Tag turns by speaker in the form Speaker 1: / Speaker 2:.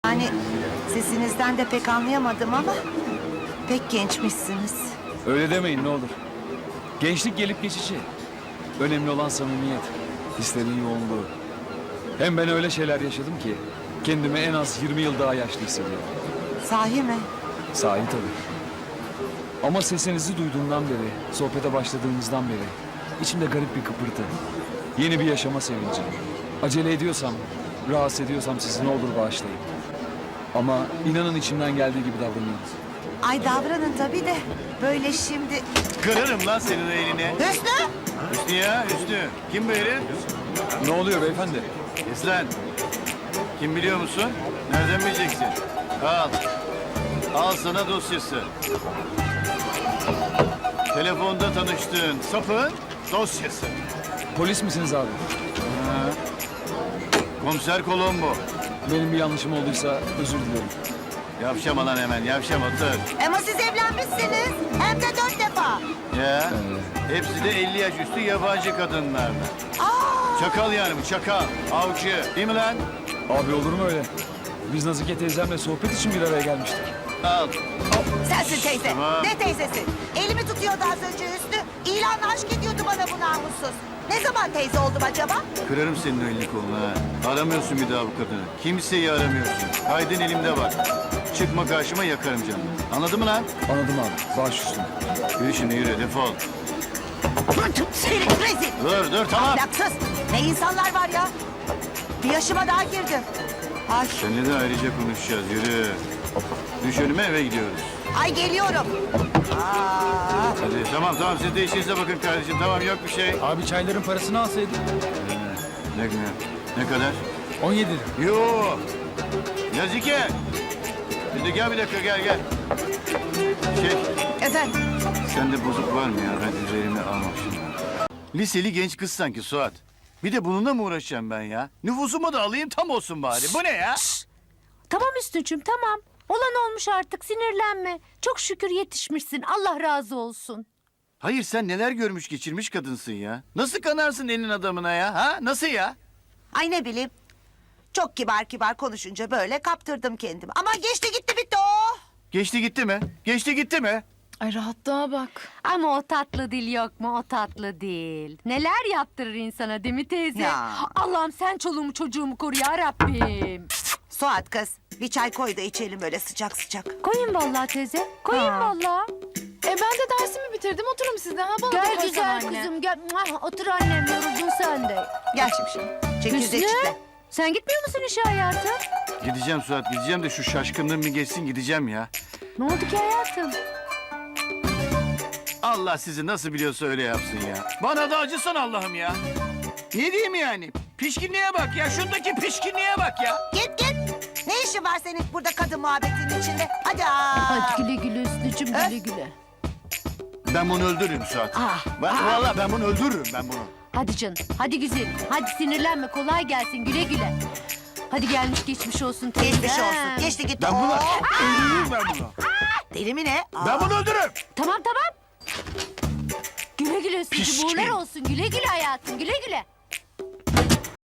Speaker 1: Yani sesinizden de pek anlayamadım ama pek gençmişsiniz.
Speaker 2: Öyle demeyin ne olur. Gençlik gelip geçici. Önemli olan samimiyet. Hislerin yoğunluğu. Hem ben öyle şeyler yaşadım ki kendimi en az 20 yıl daha yaşlı hissediyorum.
Speaker 1: Sahi mi?
Speaker 2: Sahi tabii. Ama sesinizi duyduğumdan beri, sohbete başladığımızdan beri içimde garip bir kıpırtı. Yeni bir yaşama sevinci. Acele ediyorsam, rahatsız ediyorsam sizi ne olur bağışlayın. Ama inanın içimden geldiği gibi davranıyoruz.
Speaker 1: Ay davranın tabii de böyle şimdi...
Speaker 3: Kırarım lan senin elini.
Speaker 1: Hüsnü!
Speaker 3: Hüsnü ya Hüsnü. Kim bu herif?
Speaker 2: Ne oluyor beyefendi?
Speaker 3: Kes lan. Kim biliyor musun? Nereden bileceksin? Al. Al sana dosyası. Telefonda tanıştığın sapın dosyası.
Speaker 2: Polis misiniz abi?
Speaker 3: Komiser Colombo.
Speaker 2: Benim bir yanlışım olduysa özür dilerim.
Speaker 3: Yavşama lan hemen yavşama otur.
Speaker 1: Ama siz evlenmişsiniz. Hem de 4 defa.
Speaker 3: Ya. Hepsi de 50 yaş üstü yabancı kadınlarla. Çakal yani bu çakal. Avcı. Değil mi lan?
Speaker 2: Abi olur mu öyle? Biz Nazike teyzemle sohbet için bir araya gelmiştik.
Speaker 3: Al.
Speaker 1: Sensin teyze.
Speaker 3: Tamam.
Speaker 1: Ne teyzesi? Elimi tutuyordu az önce Hüsnü. İlanla aşk ediyordu bana bu namussuz. Ne zaman teyze oldum acaba?
Speaker 3: Kırarım senin elini kolunu ha. Aramıyorsun bir daha bu kadını. Kimseyi aramıyorsun. Kaydın elimde var. Çıkma karşıma yakarım canını. Anladın mı lan?
Speaker 2: Anladım abi. Baş üstüne.
Speaker 3: Yürü şimdi yürü defol.
Speaker 1: Seni rezil.
Speaker 3: Dur tamam.
Speaker 1: Ahlaksız. Ne insanlar var ya. Bir yaşıma daha girdim. Ay,
Speaker 3: Seninle de ayrıca konuşacağız yürü. Düş önüme eve gidiyoruz.
Speaker 1: ay geliyorum. Aa,
Speaker 3: Hadi tamam siz de işinize bakın kardeşim. Tamam yok bir şey.
Speaker 2: Abi çayların parasını alsaydın.
Speaker 3: Ne kadar?
Speaker 2: 17 lira.
Speaker 3: Yo. Nazike. Şimdi gel bir dakika gel.
Speaker 1: efendim.
Speaker 3: Sende bozuk var mı ya? Ben üzerime almak şimdi. Liseli genç kız sanki Suat. Bir de bununla mı uğraşacağım ben ya? Nüfusumu da alayım tam olsun bari. Bu ne ya?
Speaker 4: Tamam Hüsnü'cüm tamam. Olan olmuş artık sinirlenme. Çok şükür yetişmişsin. Allah razı olsun.
Speaker 3: Hayır sen neler görmüş geçirmiş kadınsın ya. Nasıl kanarsın elin adamına ya? Ha? Nasıl ya?
Speaker 1: Ay ne bileyim. Çok kibar konuşunca böyle kaptırdım kendimi. Ama geçti gitti bitti o.
Speaker 3: Geçti gitti mi? Geçti gitti mi?
Speaker 5: Ay rahatlığa bak.
Speaker 4: Ama o tatlı dil yok mu? O tatlı dil. Neler yaptırır insana değil mi teyze?
Speaker 1: Ya.
Speaker 4: Allah'ım sen çoluğumu çocuğumu koru ya Rabbim.
Speaker 1: Suat kız bir çay koy da içelim böyle sıcak sıcak.
Speaker 4: Koyun vallahi teyze. Koyun
Speaker 1: Ha.
Speaker 4: vallahi.
Speaker 5: Ben de dersimi bitirdim. Oturun siz de. Ha, bana da
Speaker 4: Gel
Speaker 5: koysana
Speaker 4: güzel
Speaker 5: anne.
Speaker 4: kızım gel. Muah, otur annem yoruldun sen de.
Speaker 1: Gel şimdi. Çekirdek
Speaker 4: Hüsnü
Speaker 1: çitle.
Speaker 4: sen gitmiyor musun işe hayatım?
Speaker 3: Gideceğim Suat gideceğim de şu şaşkınlığım bir geçsin gideceğim ya.
Speaker 4: Ne oldu ki hayatım?
Speaker 3: Allah sizi nasıl biliyorsa öyle yapsın ya. Bana da acısan Allah'ım ya. Ne diyeyim yani? Pişkinliğe bak ya. Şundaki pişkinliğe bak ya.
Speaker 1: Git. Ne işin var senin burada kadın muhabbetinin içinde? Hadi
Speaker 4: Hadi güle güle Hüsnü'cüm güle güle.
Speaker 3: Ben bunu öldürürüm Suat.
Speaker 4: Ah,
Speaker 3: Vallahi ben bunu öldürürüm ben bunu.
Speaker 4: Hadi canım, hadi güzelim. Hadi sinirlenme, kolay gelsin, güle güle. Hadi gelmiş geçmiş olsun teyze.
Speaker 1: Geçmiş
Speaker 4: Ha.
Speaker 1: olsun. Geçti gitti.
Speaker 3: Ben bunu
Speaker 1: Oo,
Speaker 3: öldürürüm ben bunu.
Speaker 1: deli mi ne? Aa.
Speaker 3: Ben bunu öldürürüm.
Speaker 4: Tamam. Güle güle Hüsnü'cüm,
Speaker 3: Pişkin.
Speaker 4: uğurlar olsun. Güle güle hayatım, güle güle.